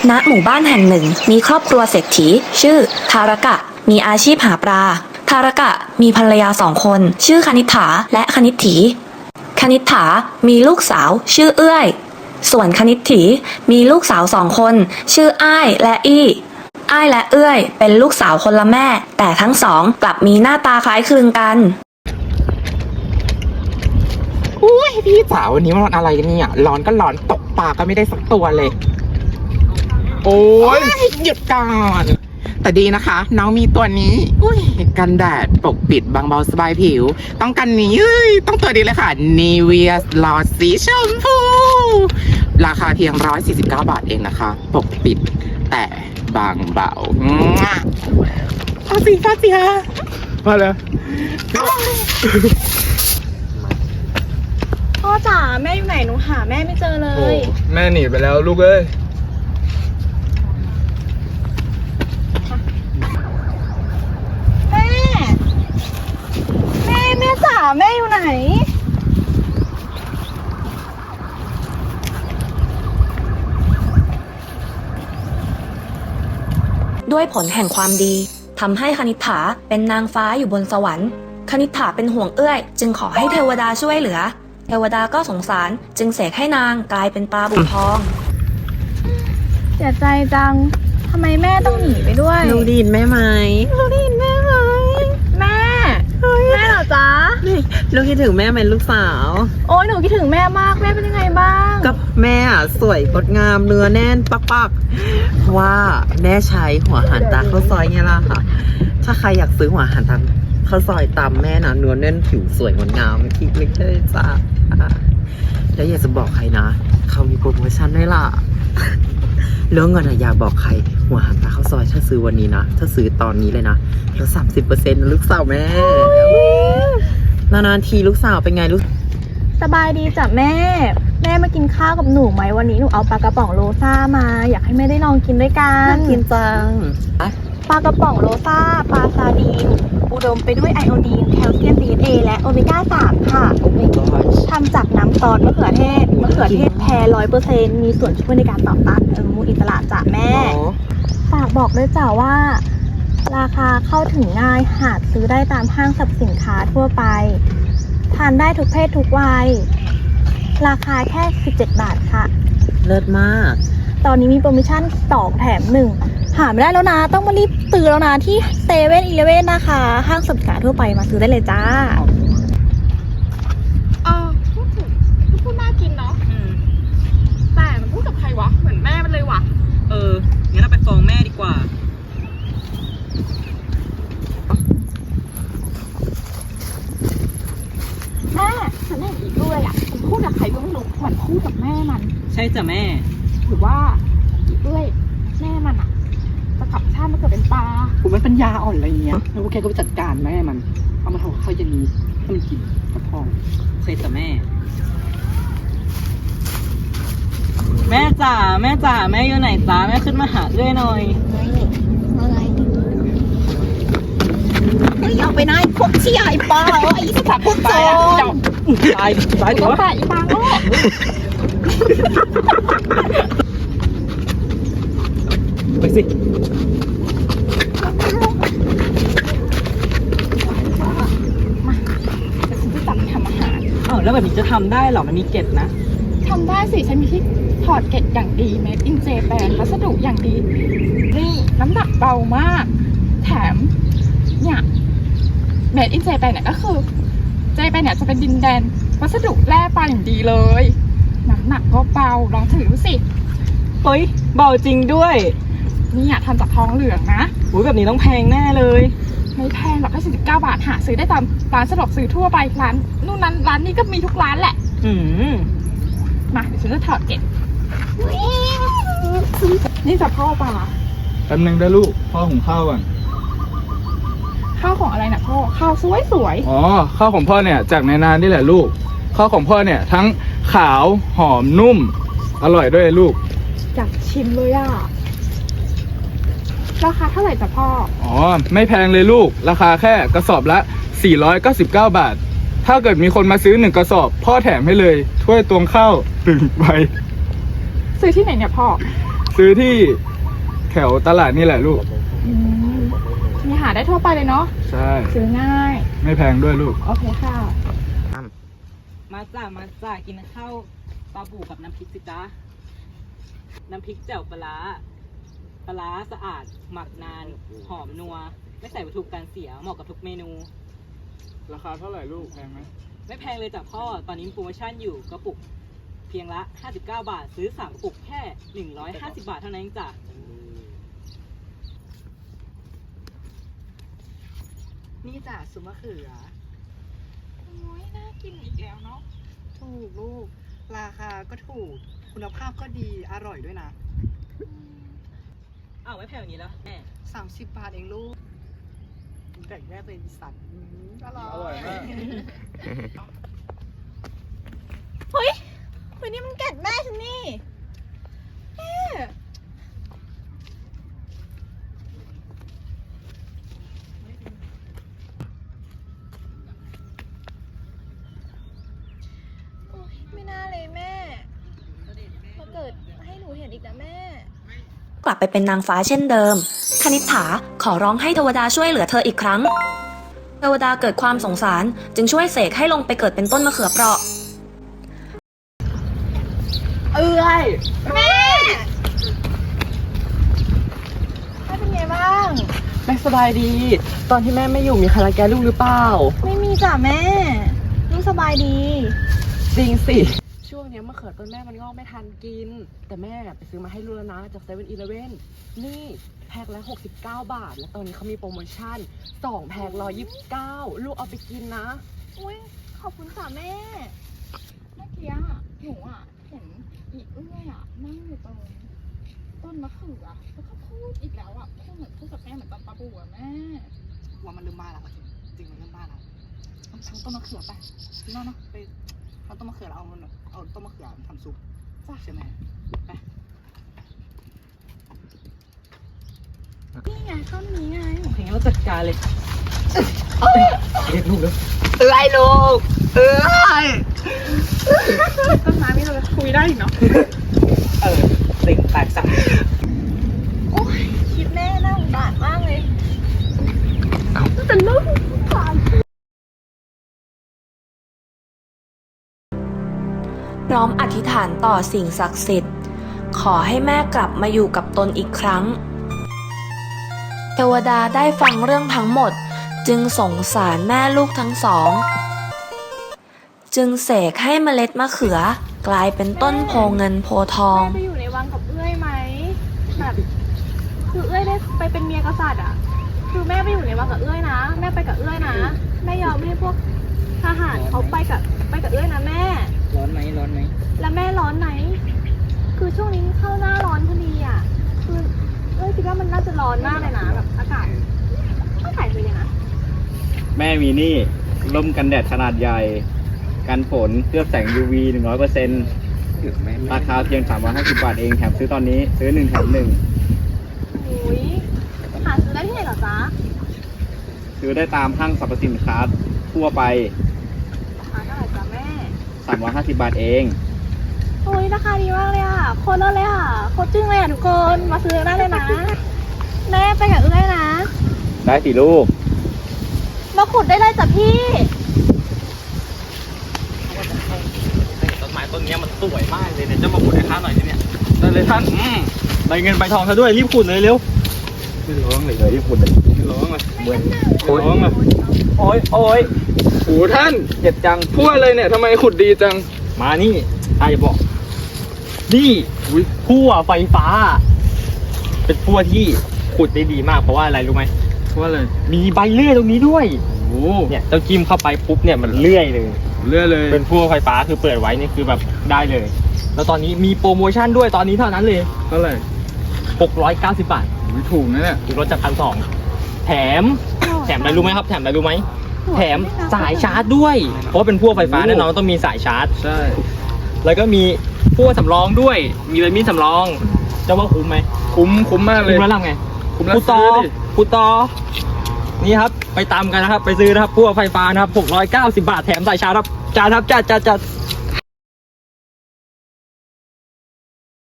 ณหมู่บ้านแห่งหนึ่งมีครอบครัวเศรษฐีชื่อทารกะมีอาชีพหาปลาทารกะมีภรรยา2 คนชื่อคณิษฐาและคณิษฐีคณิษฐามีลูกสาวชื่อเอื้อยส่วนคณิษฐีมีลูกสาว2 คนชื่ออ้ายและอี้อ้ายและเอื้อยเป็นลูกสาวคนละแม่แต่ทั้งสองกลับมีหน้าตาคล้ายคลึงกันอุ้ยพี่จ๋าวันนี้มันวันอะไรกันเนี่ยร้อนก็ร้อนตกปลาก็ไม่ได้สักตัวเลยโอ้ยหยุดก่อนแต่ดีนะคะน้องมีตัวนี้อุ้ยกันแดดปกปิดบางเบาสบายผิวต้องกันนี้ต้องตัวดีเลยค่ะ Nivea หลอดสีชมพูราคาเพียง149 บาทเองนะคะปกปิดแต่บางเบาฟาสิฮะมาเลยพ่อจ๋าแม่อยู่ไหนหนูหาแม่ไม่เจอเลโอ้ยแม่หนีไปแล้วลูกเอ้ยแม่จ๋าแม่อยู่ไหนด้วยผลแห่งความดีทำให้คณิษฐาเป็นนางฟ้าอยู่บนสวรรค์คณิษฐาเป็นห่วงเอื้อยจึงขอให้เทวดาช่วยเหลือเทวดาก็สงสารจึงเสกให้นางกลายเป็นปลาบู่ทองเสียใจจังทำไมแม่ต้องหนีไปด้วยลูกได้ยินแม่ไหมลูกได้ยินแม่ไหมแม่เหรอจ๊ะลูกคิดถึงแม่ไหมลูกสาวโอ้ยหนูคิดถึงแม่มากแม่เป็นยังไงบ้างก็แม่อะสวยงดงามเนื้อแน่นปักเพราะว่าแม่ใช้หัวหันตาข้าวซอยไงล่ะค่ะ ถ้าใครอยากซื้อหัวหันตาข้าวซอยตามแม่นะเนื้อแน่นผิวสวยงดงามคลิกเลยจ้าแล้วอยากจะบอกใครนะเขามีโปรโมชั่นด้วยล่ะแล้วเงินอะอยากบอกใครหัวหันตาข้าวซอยถ้าซื้อวันนี้นะถ้าซื้อตอนนี้เลยนะลด30%นะลูกสาวแม่นานๆทีลูกสาวเป็นไงลูกสบายดีจ้ะแม่มากินข้าวกับหนูไหมวันนี้หนูเอาปลากระป๋องโรซ่ามาอยากให้แม่ได้ลองกินด้วยกันน่ากินจังปลากระป๋องโรซ่าปลาซาดีนอุดมไปด้วยไอโอดีนแคลเซียม DNA และโอเมก้า 3 ค่ะโอ้ my god ทำจากน้ำซอสมะเขือเทศแท้100%มีส่วนช่วยในการต่อต้านอนุมูลอิสระจ้ะแม่ ฝากบอกด้วยจ้ะว่า ราคาเข้าถึงง่ายหาซื้อได้ตามห้างสรรพสินค้าทั่วไป ทานได้ทุกเพศทุกวัย ราคาแค่17 บาทค่ะเลิศมากตอนนี้มีโปรโมชั่น2 แถม 1 หาไม่ได้แล้วนะ ต้องมารีบซื้อแล้วนะที่เซเว่นอีเลฟเว่นนะคะ ห้างสรรพสินค้าทั่วไปมาซื้อได้เลยจ้าพูดน่ากินเนาะแต่มันพูดกับใครวะเหมือนแม่มันเลยวะงั้นเราไปฟ้องแม่ดีกว่าแม่ฉันเห็นอีกด้วยอ่ะมันพูดกับใครก็ไม่รู้เหมือนพูดกับแม่มันใช่จ้ะแม่หรือว่าอีกด้วยแม่มันอ่ะจะกลับชาติมาเกิดเป็นปลากูไม่ปัญญาอ่อนอะไรเงี้ยแล้วกูแค่ก็ไปจัดการแม่มันเอามาทำกับข้าวเย็นนี้ให้มันกินกับพ่อใช่จ้ะแม่ แม่จ๋าแม่อยู่ไหนจ้าแม่ขึ้นมาหาด้วยหน่อยเฮ้ยเอาไปนายพวกชี้ไอ้ปลาไอ้สถานพวกโจรตายดิวะปลาอีปลาโง่ไปสิแต่ฉันจะสั่งทำอาหารอ้าวแล้วแบบนี้จะทำได้เหรอมันมีเกล็ดนะทำได้สิฉันมีที่ถอดเกล็ดอย่างดีเมดอินเจแปนวัสดุอย่างดี นี่น้ำหนักเบามาก แถมเนี่ยเมดอินเจแปนเนี่ยก็คือเจแปนเนี่ยจะเป็นดินแดนวัสดุแร่ปลาอย่างดีเลยน้ำหนักก็เบาลองถือดูสิเฮ้ยเบาจริงด้วยนี่ทำจากทองเหลืองนะอุ้ยแบบนี้ต้องแพงแน่เลยไม่แพงหรอกแค่49 บาทหาซื้อได้ตามร้านสะดวกซื้อทั่วไปร้านนู่นนั้นร้านนี้ก็มีทุกร้านแหละ มาเดี๋ยวฉันจะถอดเกล็ดนี่จะพ่อปลาแป๊บนึงได้ลูกพ่อหุงข้าวก่อนข้าวของอะไรนะพ่อข้าวสวยอ๋อข้าวของพ่อเนี่ยจากในนานี่แหละลูกข้าวของพ่อเนี่ยทั้งขาวหอมนุ่มอร่อยด้วยลูกอยากชิมเลยอ่ะราคาเท่าไหร่จ้ะพ่ออ๋อไม่แพงเลยลูกราคาแค่กระสอบละ499 บาทถ้าเกิดมีคนมาซื้อ1 กระสอบพ่อแถมให้เลยถ้วยตวงข้าว1 ใบซื้อที่ไหนเนี่ยพ่อซื้อที่แถวตลาดนี่แหละลูกมีหาได้ทั่วไปเลยเนาะใช่ซื้อง่ายไม่แพงด้วยลูกโอเคค่ะมาจ้ากินข้าวปลาบูกับน้ำพริกสิจ้าน้ำพริกแจ่วปลาร้าสะอาด หมักนาน หอมนัว ไม่ใส่วัตถุกันเสีย เหมาะกับทุกเมนูราคาเท่าไหร่ลูกแพงไหมไม่แพงเลยจ้ะพ่อ ตอนนี้มีโปรโมชั่นอยู่กระปุกเพียงละ 59 บาท ซื้อ 3 กระปุกแค่ 150 บาทเท่านั้นเองจ้ะนี่จ้ะซุปมะเขือโอ้ยน่ากินอีกแล้วเนาะถูกลูก ราคาก็ถูก คุณภาพก็ดี อร่อยด้วยนะอ้าว ไม่แพงอย่างนี้แล้วแม่ 30 บาทเองลูกแบ่งแม่เป็นสัตว์อร่อยอร่อยมากเฮ้ยนี่มันแกะแม่ฉันนี่แม่โอ๊ยไม่น่าเลยแม่มาเกิดให้หนูเห็นอีกนะแม่กลับไปเป็นนางฟ้าเช่นเดิม คณิษฐาขอร้องให้เทวดาช่วยเหลือเธออีกครั้ง เทวดาเกิดความสงสารจึงช่วยเสกให้ลงไปเกิดเป็นต้นมะเขือเปราะแม่เป็นไงบ้างแม่สบายดี ตอนที่แม่ไม่อยู่มีใครรังแกลูกหรือเปล่าไม่มีจ้ะแม่ลูกสบายดีจริงสิ ช่วงเนี้ยมะเขือต้นแม่มันงอกไม่ทันกิน แต่แม่ไปซื้อมาให้ลูกแล้วนะจากเซเว่นอีเลฟเว่นนี่แพ็คละ69 บาท แล้วตอนนี้เขามีโปรโมชั่น 2 แพ็ค129 ลูกเอาไปกินนะอุ้ยขอบคุณค่ะแม่ เมื่อกี้อะหนูอะเห็นอีเอื้อยอะนั่งอยู่ตรงต้นมะเขือแล้วก็พูดอีกแล้วอะพูดเหมือนพูดกับแม่เหมือนตอนปลาบูอะแม่ว่ามันเริ่มบ้าแล้วจริงมันเริ่มบ้าแล้วต้องทำต้นมะเขือไปพี่น้องเนาะไปเอาต้นมะเขือแล้วเอาต้นมะเขือทำซุปใช่ไหมไปนี่ไงต้นนี้ไงเพลงเราจัดการเลยเรียกลูกเลยเอ้ยลูกเอ้ยต้นไม้นี่เราคุยได้อีกเนาะสิ่งแปลกสักโอ้ยคิดแม่น่าสงสารมากเลยแต่ลูกผ่านพร้อมอธิษฐานต่อสิ่งศักดิ์สิทธิ์ ขอให้แม่กลับมาอยู่กับตนอีกครั้ง เทวดาได้ฟังเรื่องทั้งหมด จึงสงสารแม่ลูกทั้งสอง จึงเสกให้เมล็ดมะเขือกลายเป็นต้นโพเงินโพทองแม่ไปอยู่ในวังกับเอื้อยไหมแบบคือเอื้อยได้ไปเป็นเมียกษัตริย์อะคือแม่ไปอยู่ในวังกับเอื้อยนะแม่ไปกับเอื้อยนะแม่ยอมให้พวกทหารเขาไปกับเอื้อยนะแม่ร้อนไหมแล้วแม่ร้อนไหม คือช่วงนี้เข้าหน้าร้อนพอดีอ่ะ คือคิดว่ามันน่าจะร้อนมากเลยนะแบบอากาศเป็นยังไงนะแม่มีนี่ร่มกันแดดขนาดใหญ่ กันฝนเคลือบแสง UV 100%ราคาเพียง350 บาทเองแถมซื้อตอนนี้ซื้อ1แถม1 อุ้ยหาซื้อได้ที่ไหนเหรอจ๊ะซื้อได้ตามห้างสรรพสินค้าทั่วไปราคาเท่าไหร่จ๊ะแม่ 350 บาทเองโอ้ยราคาดีมากเลยอ่ะโคตรเลิศเลยอ่ะโคตรจึ้งเลยอ่ะทุกคนมาซื้อได้เลยนะ แม่ไปกับเอื้อยนะได้สิลูกมาขุดได้เลยจ้ะพี่ต้นไม้ต้นนี้มันสวยมากเลยเนี่ยจะมาขุดให้ข้าหน่อยสิเนี่ยได้เลยท่านใบเงินใบทองซะด้วยรีบขุดเลยเร็วไม่ร้องเลยรีบขุดเลยไม่ร้องเลยไม่ร้องเลยโอ้ยโอ้ยโอ้ท่านเจ็บจังพูดอะไรเนี่ยทำไมขุดดีจังมานี่อาจะบอก นี่พั่วไฟฟ้า เป็นพั่วที่ขุดได้ดีมากเพราะว่าอะไรรู้ไหมว่าอะไรมีใบเลื่อยตรงนี้ด้วยโอ้เนี่ยเจ้าจิ้มเข้าไปปุ๊บเนี่ยมันเลื่อยเลยเลื่อยเลยเป็นพั่วไฟฟ้าคือเปิดไว้นี่คือแบบได้เลย แล้วตอนนี้มีโปรโมชั่นด้วยตอนนี้เท่านั้นเลยเท่าไหร่ 690 บาทอุ๊ยถูกนะเนี่ยคือลดจาก1,200แถมอะไรรู้ไหมครับ แถมอะไรรู้ไหม แถมสายชาร์จด้วย เพราะว่าเป็นพั่วไฟฟ้าแน่นอนต้องมีสายชาร์จใช่แล้วก็มีพั่วสำรองด้วย มีใบมีดสำรอง จะว่าคุ้มไหมคุ้มมากเลยคุ้มแล้วทำไงคุ้มแล้วพูดต่อซื้อดิพูดต่อ นี่ครับ ไปตามกันนะครับ ไปซื้อนะครับพั่วไฟฟ้านะครับ690 บาทแถมสายชาร์จครับจัดครับจัด